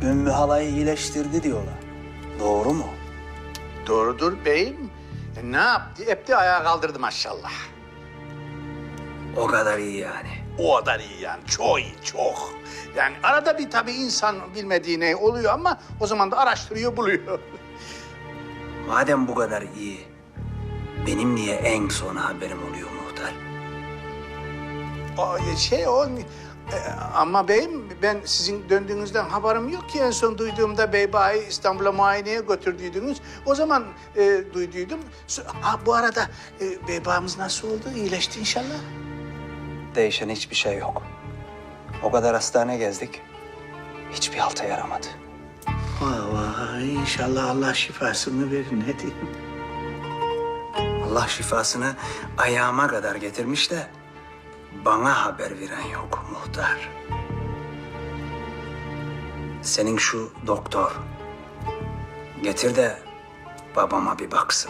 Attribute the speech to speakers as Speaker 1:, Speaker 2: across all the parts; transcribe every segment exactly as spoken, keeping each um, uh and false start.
Speaker 1: Ümmü halayı iyileştirdi diyorlar. Doğru mu?
Speaker 2: Doğrudur beyim. E, ne yaptı? Hep de ayağa kaldırdı maşallah.
Speaker 1: O kadar iyi yani.
Speaker 2: O kadar iyi yani. Çok iyi, çok. Yani arada bir tabii insan bilmediği ne oluyor ama o zaman da araştırıyor, buluyor.
Speaker 1: Madem bu kadar iyi, benim niye en son haberim oluyor muhtar?
Speaker 2: O şey o... e, ama beyim ben sizin döndüğünüzden haberim yok ki. En son duyduğumda Beybayi İstanbul'a muayeneye götürdüydünüz. O zaman e, duyduydum. So- Ha bu arada e, Beybağımız nasıl oldu? İyileşti inşallah.
Speaker 1: Değişen hiçbir şey yok. O kadar hastane gezdik, hiçbir halta yaramadı.
Speaker 2: Vay vay inşallah Allah şifasını verir ne diyeyim.
Speaker 1: Allah şifasını ayağıma kadar getirmiş de bana haber veren yok muhtar. Senin şu doktor getir de babama bir baksın.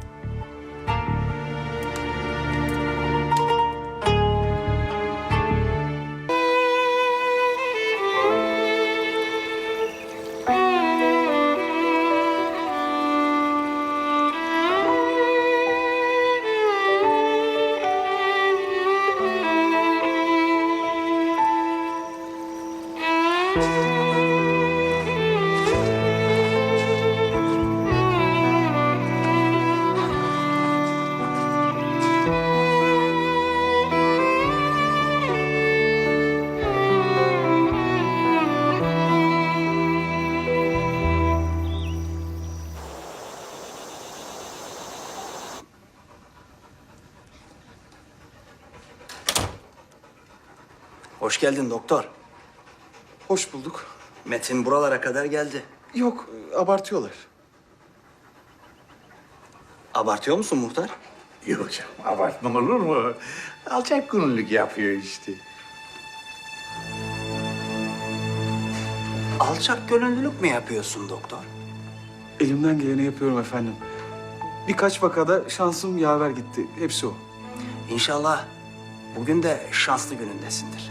Speaker 1: Hoş geldin doktor.
Speaker 3: Hoş bulduk.
Speaker 1: Metin buralara kadar geldi.
Speaker 3: Yok, abartıyorlar.
Speaker 1: Abartıyor musun muhtar?
Speaker 2: Yok canım abartma olur mu? Alçak gönüllülük yapıyor işte.
Speaker 1: Alçak gönüllülük mü yapıyorsun doktor?
Speaker 3: Elimden geleni yapıyorum efendim. Birkaç vakada şansım yaver gitti. Hepsi o.
Speaker 1: İnşallah bugün de şanslı günündesindir.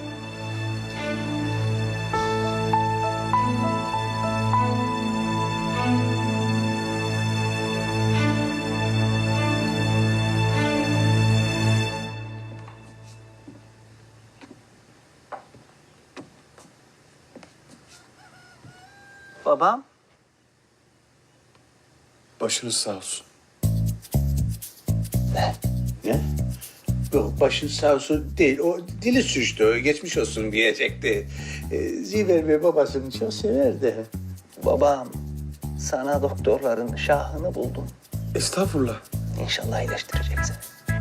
Speaker 1: Babam?
Speaker 3: Başınız sağ olsun.
Speaker 2: Ne? Yok başın sağ olsun değil. O dili suçtu. Geçmiş olsun diyecekti. Ee, Ziver Bey babasını çok severdi.
Speaker 1: Babam, sana doktorların şahını buldum.
Speaker 3: Estağfurullah.
Speaker 1: İnşallah iyileştirecek seni.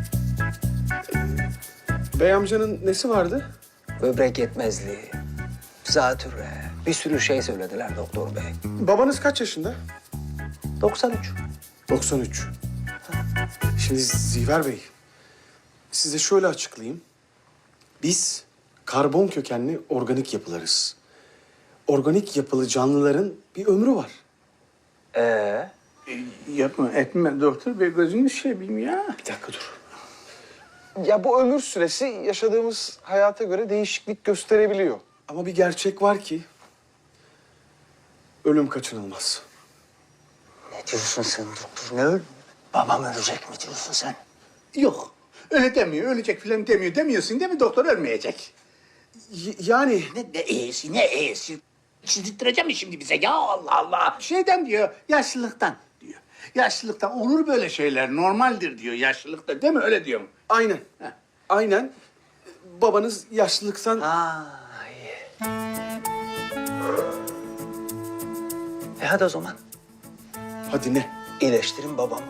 Speaker 3: Bey amcanın nesi vardı?
Speaker 1: Böbrek yetmezliği, zatürre, bir sürü şey söylediler doktor bey.
Speaker 3: Babanız kaç yaşında?
Speaker 1: doksan üç.
Speaker 3: doksan üç. Şimdi Ziver Bey, size şöyle açıklayayım. Biz karbon kökenli organik yapılarız. Organik yapılı canlıların bir ömrü var.
Speaker 1: Ee?
Speaker 2: Ee, yapma etme doktor bey gözünü seveyim ya.
Speaker 3: Bir dakika dur. Ya bu ömür süresi yaşadığımız hayata göre değişiklik gösterebiliyor. Ama bir gerçek var ki ölüm kaçınılmaz.
Speaker 1: Ne diyorsun sen doktor? Ne öl? Babam ölecek mi diyorsun sen?
Speaker 2: Yok öyle demiyor. Ölecek filan demiyor. Demiyorsun değil mi doktor ölmeyecek.
Speaker 3: Y- yani
Speaker 2: Ne, ne iyisi ne iyisi. Çizdirttireceğim mi şimdi bize ya Allah Allah. Şeyden diyor yaşlılıktan diyor. Yaşlılıktan olur böyle şeyler normaldir diyor yaşlılıkta değil mi öyle diyor mu?
Speaker 3: aynen.
Speaker 2: Heh.
Speaker 3: Aynen. Babanız yaşlılıktan...
Speaker 1: Ha iyi. E hadi o zaman
Speaker 3: Hadi ne?
Speaker 1: iyileştirin babamı.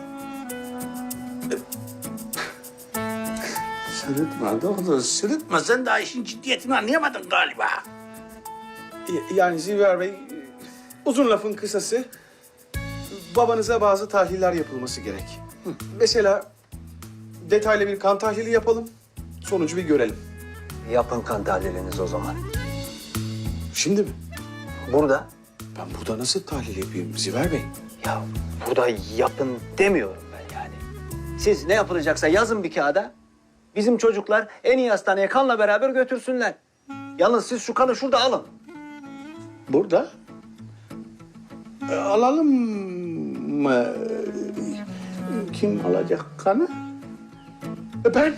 Speaker 2: Sırıtma doktor sırıtma sen daha işin ciddiyetini anlayamadın galiba.
Speaker 3: Y- Yani Ziver Bey, uzun lafın kısası babanıza bazı tahliller yapılması gerek. Hı. Mesela detaylı bir kan tahlili yapalım, sonucu bir görelim.
Speaker 1: Yapın kan tahliliniz o zaman.
Speaker 3: Şimdi mi?
Speaker 1: Burada.
Speaker 3: Ben burada nasıl tahlil yapayım Ziver Bey?
Speaker 1: Ya burada yapın demiyorum ben yani. Siz ne yapılacaksa yazın bir kağıda. Bizim çocuklar en iyi hastaneye kanla beraber götürsünler. Yalnız siz şu kanı şurada alın.
Speaker 2: Burada? E, alalım mı? Kim alacak kanı? E, ben.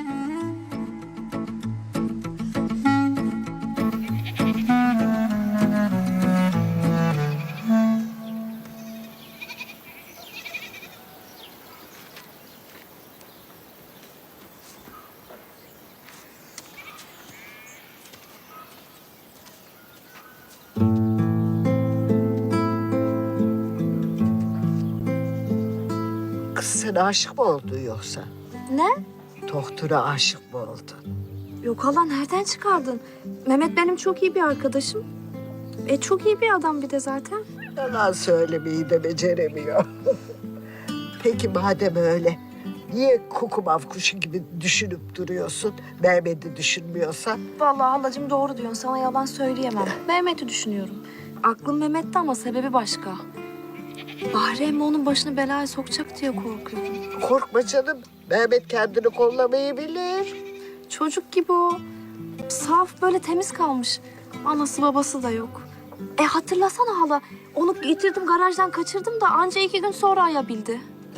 Speaker 4: Kız sen aşık mı oldun yoksa?
Speaker 5: Ne?
Speaker 4: Doktora aşık mı oldun?
Speaker 5: Yok hala nereden çıkardın? Mehmet benim çok iyi bir arkadaşım. E çok iyi bir adam bir de zaten.
Speaker 4: Yalan söylemeyi de beceremiyor. Peki madem öyle, niye kukumav kuşu gibi düşünüp duruyorsun? Mehmet'i düşünmüyorsan?
Speaker 5: Vallahi halacığım doğru diyorsun. Sana yalan söyleyemem. Mehmet'i düşünüyorum. Aklım Mehmet'te ama sebebi başka. Bahri emmi onun başını belaya sokacak diye korkuyorum.
Speaker 4: Korkma canım, Mehmet kendini kollamayı bilir.
Speaker 5: Çocuk gibi o. Saf böyle temiz kalmış. Anası babası da yok. E hatırlasana hala. Onu getirdim garajdan kaçırdım da anca iki gün sonra ayabildi.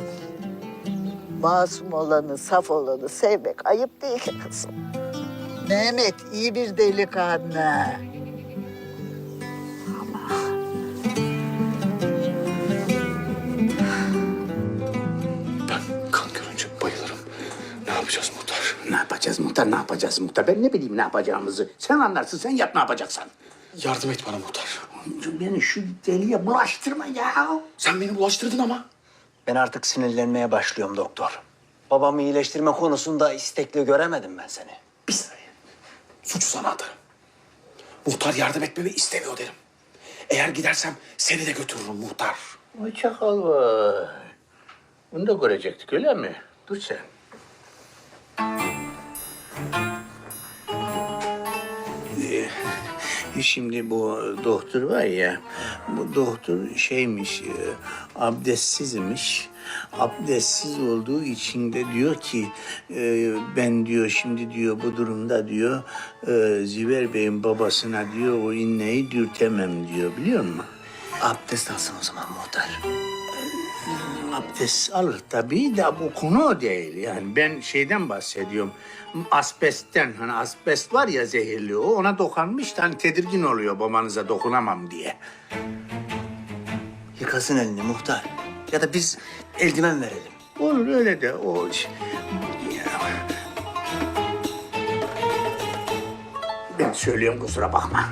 Speaker 4: Masum olanı, saf olanı sevmek ayıp değil ki kızım. Mehmet iyi bir delikanlı.
Speaker 3: Ben kan görünce bayılırım. Ne yapacağız muhtar?
Speaker 2: Ne yapacağız muhtar, ne yapacağız muhtar? Ben ne bileyim ne yapacağımızı. Sen anlarsın, sen yap ne yapacaksan.
Speaker 3: Yardım et bana muhtar.
Speaker 2: Beni şu deliye bulaştırma ya.
Speaker 3: Sen beni bulaştırdın ama.
Speaker 1: Ben artık sinirlenmeye başlıyorum doktor. Babamı iyileştirme konusunda istekli göremedim ben seni.
Speaker 3: Bir saniye. Suçu sana atarım. Muhtar yardım etmemi istemiyor derim. Eğer gidersem seni de götürürüm muhtar.
Speaker 2: Vay çakal vay. Bunu da görecektik öyle mi? Dur sen. Ee, Şimdi bu doktor var ya, bu doktor şeymiş, e, abdestsizmiş. Abdestsiz olduğu için de diyor ki, e, ben diyor şimdi diyor bu durumda diyor, e, Ziver Bey'in babasına diyor o inneyi dürtemem diyor, biliyor musun?
Speaker 1: Abdest alsın o zaman muhtar.
Speaker 2: Abdest alır tabii de bu konu o değil. Yani ben şeyden bahsediyorum. Asbestten, hani asbest var ya zehirli o, ona dokunmuş da hani tedirgin oluyor babanıza dokunamam diye.
Speaker 1: Yıkasın elini muhtar. Ya da biz eldiven verelim.
Speaker 2: Olur öyle de o... ş- Ben söylüyorum kusura bakma.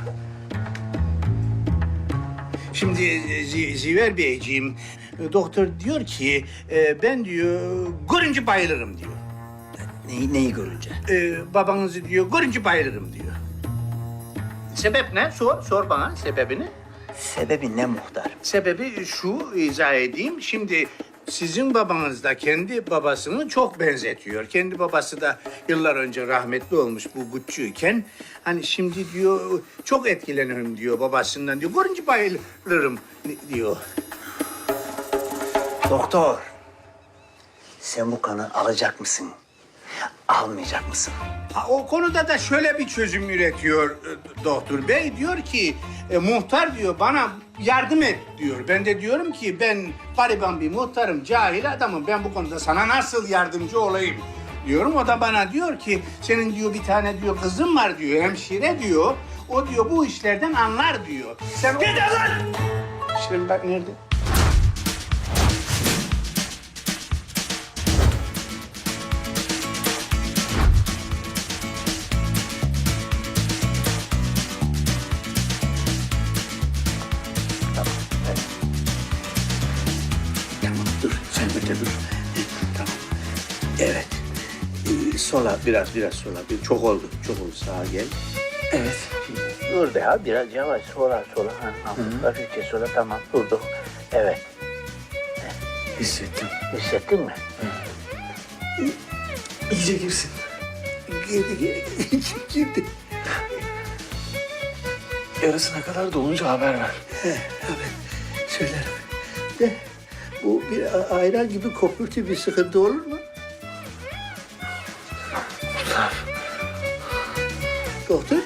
Speaker 2: Şimdi Z- Ziver Beyciğim, doktor diyor ki e, ben diyor görünce bayılırım diyor.
Speaker 1: Neyi, neyi görünce?
Speaker 2: Ee, babanızı diyor görünce bayılırım diyor. Sebep ne? Sor, sor bana sebebini.
Speaker 1: Sebebi ne muhtar?
Speaker 2: Sebebi şu, izah edeyim. Şimdi sizin babanız da kendi babasını çok benzetiyor. Kendi babası da yıllar önce rahmetli olmuş bu Gucci'yken. Hani şimdi diyor çok etkilenirim diyor babasından diyor. Görünce bayılırım diyor.
Speaker 1: Doktor, sen bu kanı alacak mısın? Almayacak mısın?
Speaker 2: Ha, o konuda da şöyle bir çözüm üretiyor e, doktor bey. Diyor ki e, muhtar diyor bana yardım et diyor. Ben de diyorum ki ben gariban bir muhtarım, cahil adamım. Ben bu konuda sana nasıl yardımcı olayım diyorum. O da bana diyor ki senin diyor bir tane diyor kızın var diyor, hemşire diyor. O diyor bu işlerden anlar diyor. Sen git lan! Şimdi bak nerede? Tamam dur, sen öte dur. Tamam. Evet. Ee, sola, biraz biraz sola. Bir, çok oldu, çok oldu. Sağa gel. Evet. Dur be ya, biraz yavaş. Sola, sola. Ha, hafif, hafifçe sola. Tamam, durduk. Evet.
Speaker 3: Hissettim.
Speaker 2: Hissettin mi?
Speaker 3: İyice girsin.
Speaker 2: Girdi, girdi, girdi.
Speaker 3: Yarısına kadar dolunca haber ver.
Speaker 2: Evet, söylerim. De, bu bir a- ayran gibi kopurtu bir sıkıntı olur mu?
Speaker 3: Muhtar.
Speaker 2: Doktor?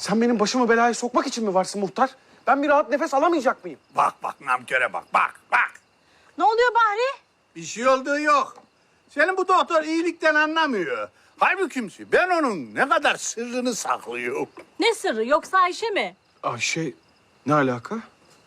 Speaker 3: Sen benim başımı belaya sokmak için mi varsın muhtar? Ben bir rahat nefes alamayacak mıyım?
Speaker 2: Bak bak namköre bak, bak, bak.
Speaker 6: Ne oluyor Bahri?
Speaker 2: Bir şey olduğu yok. Senin bu doktor iyilikten anlamıyor. Halbuki ben onun ne kadar sırrını saklıyorum.
Speaker 6: Ne sırrı yoksa Ayşe mi?
Speaker 3: Ayşe ne alaka?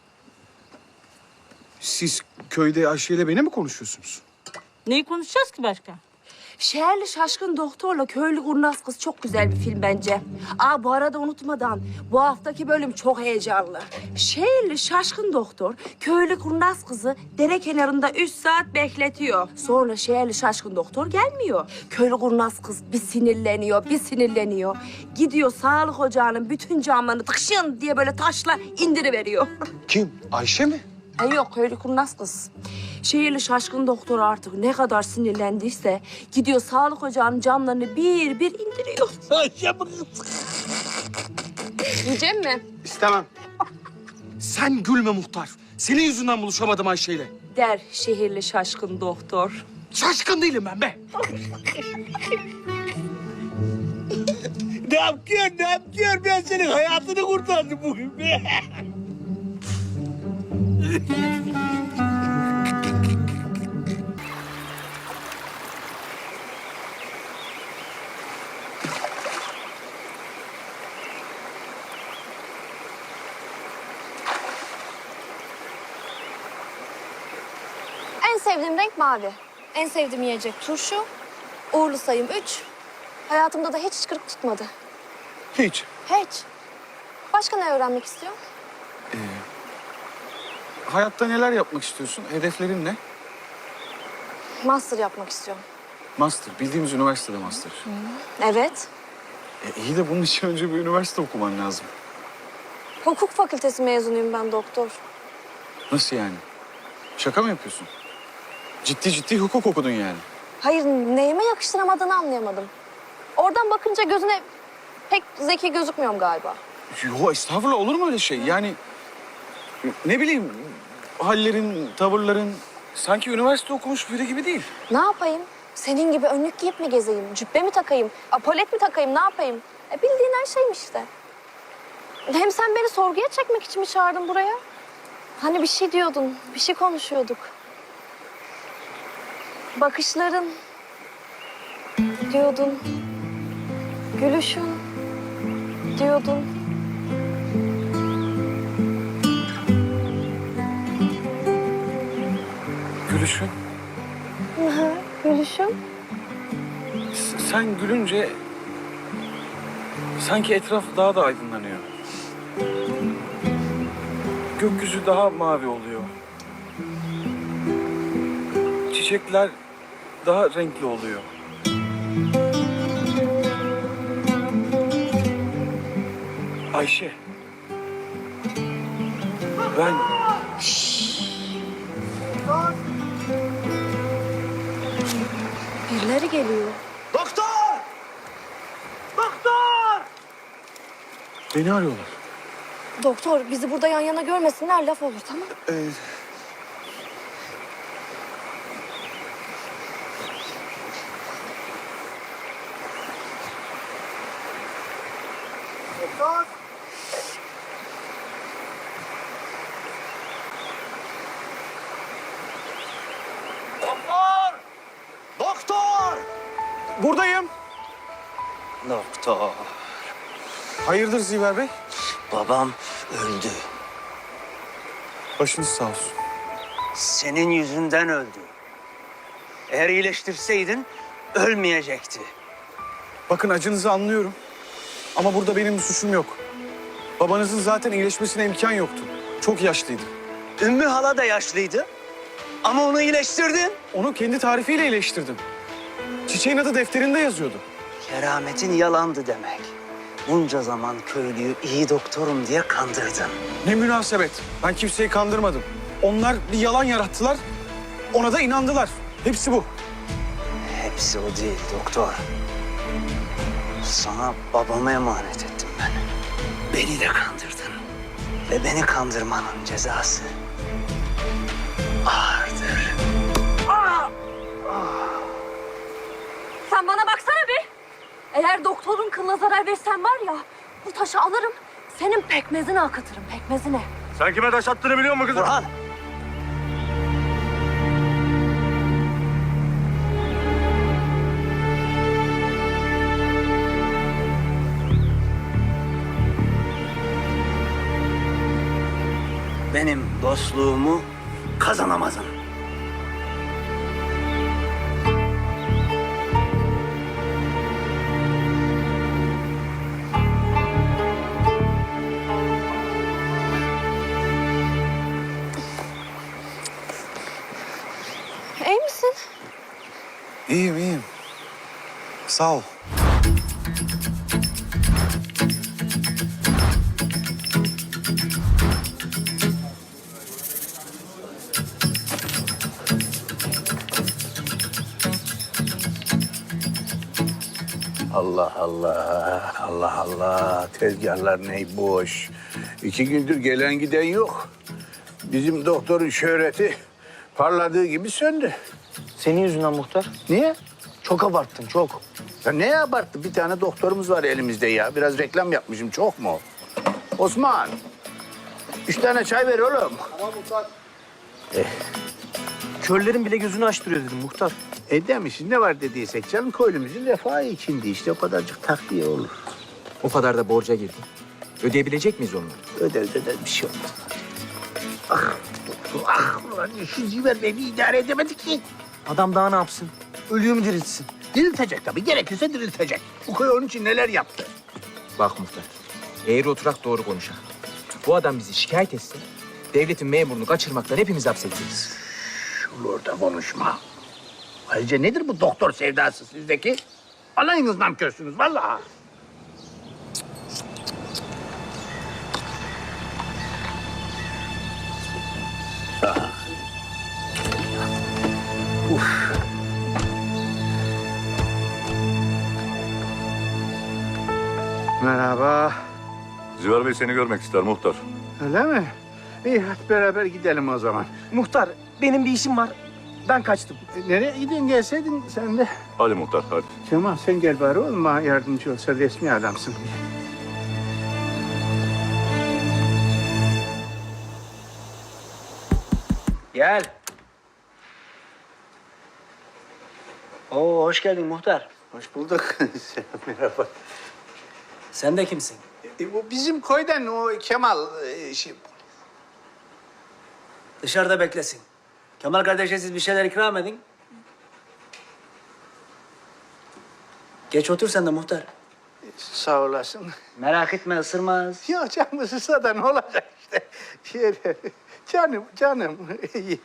Speaker 3: Siz köyde Ayşe ile beni mi konuşuyorsunuz?
Speaker 6: Neyi konuşacağız ki başka?
Speaker 7: Şehirli Şaşkın Doktor'la Köylü Kurnaz Kız çok güzel bir film bence. Aa bu arada unutmadan bu haftaki bölüm çok heyecanlı. Şehirli Şaşkın Doktor Köylü Kurnaz Kız'ı dere kenarında üç saat bekletiyor. Sonra Şehirli Şaşkın Doktor gelmiyor. Köylü Kurnaz Kız bir sinirleniyor, bir sinirleniyor. Gidiyor sağlık ocağının bütün camlarını tıkşın diye böyle taşla indiriveriyor.
Speaker 3: Kim? Ayşe mi?
Speaker 7: E yok Köylü Kurnaz Kız. Şehirli Şaşkın Doktor artık ne kadar sinirlendiyse gidiyor sağlık ocağının camlarını bir bir indiriyor.
Speaker 2: Ayşe mi kız?
Speaker 7: Yiyecek mi?
Speaker 3: İstemem. Sen gülme muhtar. Senin yüzünden buluşamadım Ayşe'yle.
Speaker 7: Der Şehirli Şaşkın Doktor.
Speaker 3: Şaşkın değilim ben be.
Speaker 2: Ne yapıyorsun, ne yapıyorsun? Ben senin hayatını kurtardım bugün be.
Speaker 5: En sevdiğim renk mavi. En sevdiğim yiyecek turşu. Uğurlu sayım üç. Hayatımda da hiç kırık tutmadı.
Speaker 3: Hiç.
Speaker 5: Hiç. Başka ne öğrenmek istiyorsun?
Speaker 3: Hayatta neler yapmak istiyorsun? Hedeflerin ne?
Speaker 5: Master yapmak istiyorum.
Speaker 3: Master. Bildiğimiz üniversitede master.
Speaker 5: Evet.
Speaker 3: E, iyi de bunun için önce bir üniversite okuman lazım.
Speaker 5: Hukuk fakültesi mezunuyum ben doktor.
Speaker 3: Nasıl yani? Şaka mı yapıyorsun? Ciddi ciddi hukuk okudun yani.
Speaker 5: Hayır, neyime yakıştıramadığını anlayamadım. Oradan bakınca gözüne pek zeki gözükmüyorum galiba.
Speaker 3: Yo estağfurullah olur mu öyle şey? Yani ne bileyim hallerin, tavırların sanki üniversite okumuş biri gibi değil.
Speaker 5: Ne yapayım? Senin gibi önlük giyip mi gezeyim? Cübbe mi takayım? Apolet mi takayım? Ne yapayım? E bildiğin her şeyim işte. Hem sen beni sorguya çekmek için mi çağırdın buraya? Hani bir şey diyordun, bir şey konuşuyorduk. Bakışların diyordun. Gülüşün diyordun.
Speaker 3: Gülüşün.
Speaker 5: Hı, gülüşün.
Speaker 3: S- sen gülünce sanki etraf daha da aydınlanıyor. Gökyüzü daha mavi oluyor. Çiçekler daha renkli oluyor. Ayşe. Ben
Speaker 5: Birileri geliyor.
Speaker 1: Doktor! Doktor!
Speaker 3: beni arıyorlar.
Speaker 5: Doktor, bizi burada yan yana görmesinler, laf olur, tamam?
Speaker 3: Ee,
Speaker 1: Doktor! Doktor!
Speaker 3: buradayım.
Speaker 1: Doktor,
Speaker 3: Hayırdır Ziver Bey?
Speaker 1: babam öldü.
Speaker 3: Başınız sağ olsun.
Speaker 1: Senin yüzünden öldü. Eğer iyileştirseydin ölmeyecekti.
Speaker 3: Bakın acınızı anlıyorum. Ama burada benim bir suçum yok. Babanızın zaten iyileşmesine imkan yoktu. Çok yaşlıydı.
Speaker 1: Ümmü hala da yaşlıydı. Ama onu iyileştirdin.
Speaker 3: Onu kendi tarifiyle iyileştirdim. Çiçeğin adı defterinde yazıyordu.
Speaker 1: Kerametin yalandı demek. Bunca zaman köylüyü iyi doktorum diye kandırdın.
Speaker 3: Ne münasebet. Ben kimseyi kandırmadım. Onlar bir yalan yarattılar. Ona da inandılar. Hepsi bu.
Speaker 1: Hepsi o değil doktor. Sana babamı emanet ettim ben. Beni de kandırdın. Ve beni kandırmanın cezası ağırdır.
Speaker 7: Sen bana baksana bir. Eğer doktorun kılına zarar versen var ya,
Speaker 5: Bu taşı alırım, senin pekmezini akıtırım, pekmezine.
Speaker 8: Sen kime taş attığını biliyor musun kızım?
Speaker 1: Burhan. Benim dostluğumu kazanamazsın.
Speaker 5: İyi misin?
Speaker 9: İyiyim, iyiyim. Sağ ol.
Speaker 2: Allah Allah, Allah Allah. Tezgahlar ne boş. İki gündür gelen giden yok. Bizim doktorun şöhreti parladığı gibi söndü.
Speaker 1: Senin yüzünden muhtar.
Speaker 2: Niye?
Speaker 1: Çok abarttın, çok.
Speaker 2: Ya ne abarttı? Bir tane doktorumuz var elimizde ya. Biraz reklam yapmışım. Çok mu? Osman. Üç tane çay ver oğlum.
Speaker 1: Körlerin bile gözünü açtırıyor dedim muhtar.
Speaker 2: E demişiz ne var dediysek canım köylümüzün refahı içindi işte o kadarcık takviye olur.
Speaker 10: O kadar da borca girdi. Ödeyebilecek miyiz onları?
Speaker 2: Öderiz öderiz bir şey olmaz. Ah doktor ah ulan şu Ziver Bey'i idare edemedik ki.
Speaker 1: Adam daha ne yapsın? Ölüyü mü diriltsin?
Speaker 2: Diriltecek tabii gerekirse diriltecek. Bu köy onun için neler yaptı.
Speaker 10: Bak muhtar, eğri oturak doğru konuşak. Bu adam bizi şikayet etse, devletin memurunu kaçırmaktan hepimiz hapsedeceğiz.
Speaker 2: Şunu orada konuşma. Ayrıca nedir bu doktor sevdası sizdeki? Alayınız namkörsünüz vallahi. Ah. Uf. Merhaba.
Speaker 8: Ziver Bey seni görmek ister muhtar.
Speaker 2: Öyle mi? İyi hadi beraber gidelim o zaman.
Speaker 1: Muhtar, benim bir işim var. Ben kaçtım.
Speaker 2: E, nereye gidin gelseydin sen de.
Speaker 8: Hadi muhtar hadi.
Speaker 2: Kemal sen gel bari oğlum bana yardımcı ol. Sen resmi adamsın.
Speaker 1: Gel. Oo, hoş geldin muhtar.
Speaker 2: Hoş bulduk. Merhaba.
Speaker 1: Sen de kimsin?
Speaker 2: E, bu bizim köyden o Kemal e, şey.
Speaker 1: Dışarıda beklesin. Kemal kardeşe siz bir şeyler ikram edin. Geç otur sen de muhtar.
Speaker 2: Sağ olasın.
Speaker 1: Merak etme, ısırmaz.
Speaker 2: Ya canım ısırsa da ne olacak işte. Şöyle, canım, canım. İyi.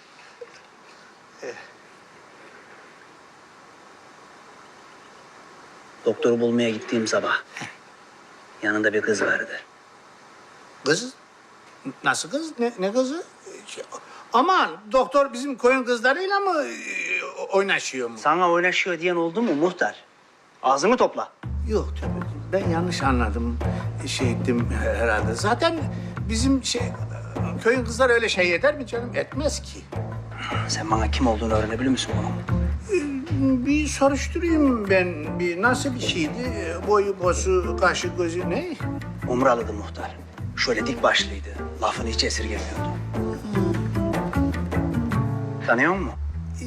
Speaker 1: Doktoru bulmaya gittiğim sabah yanında bir kız vardı.
Speaker 2: Kız? Nasıl kız? Ne, ne kızı? Şey, aman doktor bizim koyun kızlarıyla mı e, oynaşıyor mu?
Speaker 1: Sana oynaşıyor diyen oldu mu muhtar? Ağzını topla.
Speaker 2: Yok tabii. Ben yanlış anladım. Şey ettim herhalde. Zaten bizim şey köyün kızları öyle şey eder mi canım? Etmez ki.
Speaker 1: Sen bana kim olduğunu öğrenebilir misin bunun?
Speaker 2: Bir soruşturayım ben. Bir nasıl bir şeydi? Boyu, bosu, kaşı, gözü ne?
Speaker 1: Umralı'dı muhtar. Şöyle dik başlıydı. Lafını hiç esirgemiyordu. Tanıyor musun?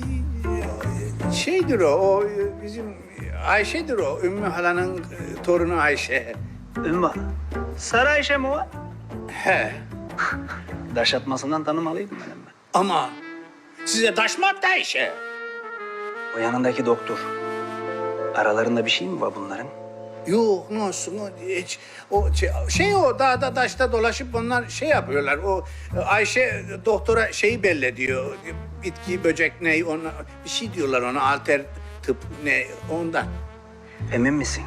Speaker 2: Şeydir o, o bizim Ayşe'dir o. Ümmü halanın e, torunu Ayşe.
Speaker 1: Ümmü. Sarı Ayşe mi o?
Speaker 2: He.
Speaker 1: Daş atmasından tanımalıydım benim ben.
Speaker 2: Ama size taş mı attı Ayşe?
Speaker 1: O yanındaki doktor. Aralarında bir şey mi var bunların?
Speaker 2: Yok ne olsun o hiç o şey, şey o dağda taşta dolaşıp onlar şey yapıyorlar. O Ayşe doktora şeyi belli diyor. Bitki, böcek ne ona bir şey diyorlar ona alter tıp ne ondan.
Speaker 1: Emin misin?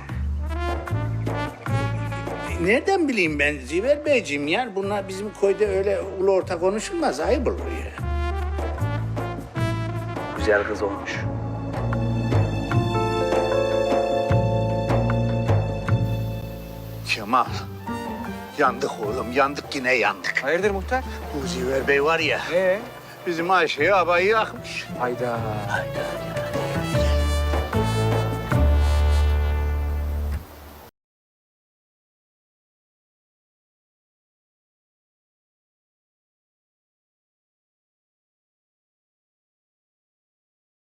Speaker 2: Nereden bileyim ben Ziver Beyciğim ya? Bunlar bizim köyde öyle ulu orta konuşulmaz. Ayıp olur ya.
Speaker 1: Güzel kız olmuş.
Speaker 2: Kemal. Yandık oğlum, yandık yine yandık.
Speaker 10: Hayırdır muhtar?
Speaker 2: Bu Ziver Bey var ya,
Speaker 10: Ee?
Speaker 2: bizim Ayşe'yi abayı yakmış.
Speaker 10: Hayda.
Speaker 2: Hayda.